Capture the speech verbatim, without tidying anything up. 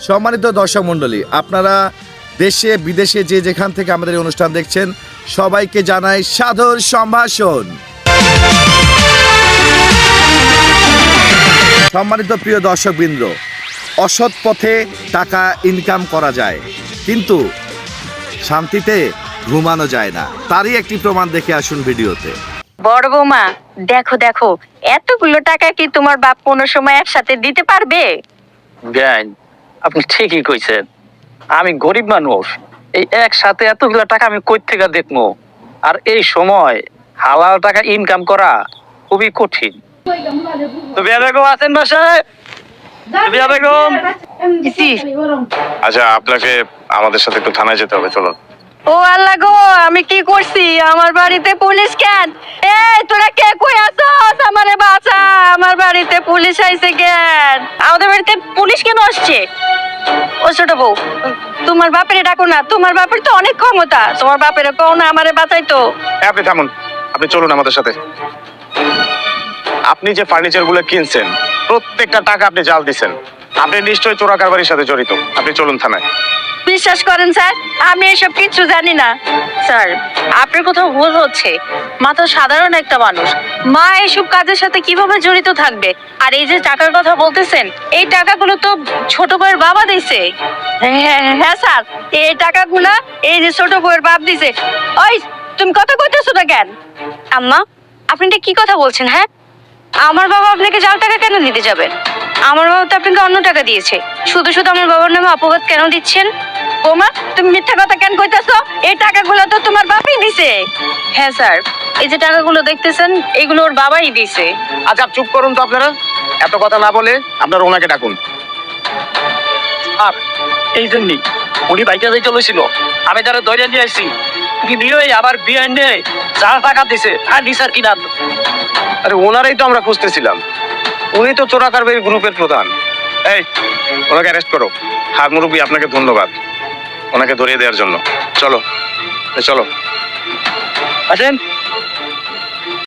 সম্মানিত দর্শক মণ্ডলী, আপনারা দেশে বিদেশে যে যেখান থেকে আমাদের এই অনুষ্ঠান দেখছেন, সবাইকে জানাই সাদর সম্ভাষণ। সম্মানিত প্রিয় দর্শকবৃন্দ, অসৎ পথে টাকা ইনকাম করা যায়, কিন্তু শান্তিতে ঘুমানো যায় না। তারই একটি প্রমাণ দেখে আসুন ভিডিওতে। বড় বৌমা, দেখো দেখো এতগুলো টাকা কি তোমার বাপ কোনো সময় একসাথে দিতে পারবে? জ্ঞান, আপনি ঠিকই কইছেন। আমি গরিব মানুষ, এই একসাথে এতগুলো টাকা আমি কই থেকে দেখবো? আর এই সময় হালাল টাকা ইনকাম করা খুবই কঠিন। তো বিয়া বেগম আছেন বাসায়? বিয়া বেগম, আচ্ছা, আপনাকে আমাদের সাথে একটু থানায় যেতে হবে, চলুন। ও আল্লাহ গো, আমি কি করছি? আমার বাড়িতে পুলিশ কেন? এই তোরা কে কই আছস? আমারে বাঁচা, আমার বাড়িতে পুলিশ আইছে কেন? আমাদের বাড়িতে পুলিশ কেন আসছে? ও ছোট বউ, তোমার বাপেরে ডাকো না, তোমার বাপের তো অনেক ক্ষমতা, তোমার বাপেরে কও না আমারে বাঁচাইতো। এই, আপনি থামুন, আপনি চলুন আমাদের সাথে। আপনি যে ফার্নিচার গুলো কিনছেন, প্রত্যেকটা টাকা আপনি জাল দিচ্ছেন। আপনি নিশ্চয়ই চোরা কারবারির সাথে জড়িত। আপনি চলুন থানায়। বিশ্বাস করেন স্যার, আমি এসব কিছু জানি না। স্যার, আপনার কোথাও ভুল হচ্ছে। মা তো সাধারণ একটা মানুষ, মা এসব কাজের সাথে কিভাবে জড়িত থাকবে? আর এই যে টাকার কথা বলতেছেন, এই টাকাগুলো তো ছোট বউয়ের বাবা দিছে। হ্যাঁ হ্যাঁ স্যার, এই টাকাগুলা এই যে ছোট বউয়ের বাপ দিছে। ওই, তুমি কথা কইতেছো না কেন? আম্মা, আপনি এটা কি কথা বলছেন? হ্যাঁ, আমার বাবা আপনাকে জাল টাকা কেন দিতে যাবে? আমার বাবা তো আপনাকে অন্য টাকা দিয়েছে। শুধু শুধু আমার বাবার নামে অপবাদ কেন দিচ্ছেন? বৌমা, তুমি মিথ্যা কথা কেন কইতাছো? এই টাকাগুলো তো তোমার বাবাই দিছে। হ্যাঁ স্যার, এই যে টাকাগুলো দেখতেছেন, এগুলো ওর বাবাই দিছে। আচ্ছা, চুপ করুন তো আপনারা। এত কথা না বলে আপনারা ওনাকে ডাকুন। আর এই জন্যই উনি বাইকে যাইতে লইছিল, আমি তারা ধরে নিয়ে আসছি। উনি নিয়ে আবার বিয়ে এনে যা টাকা দিছে আর নিসার কিনা। আরে, ওনারাই তো আমরা খুঁজতেছিলাম। উনি তো চোরা কারবারি গ্রুপের প্রধান। এই, ওনাকে অ্যারেস্ট করো। হাত মুরব্বী, আপনাকে ধন্যবাদ ওনাকে ধরিয়ে দেওয়ার জন্য। চলো, এই চলো। আসেন।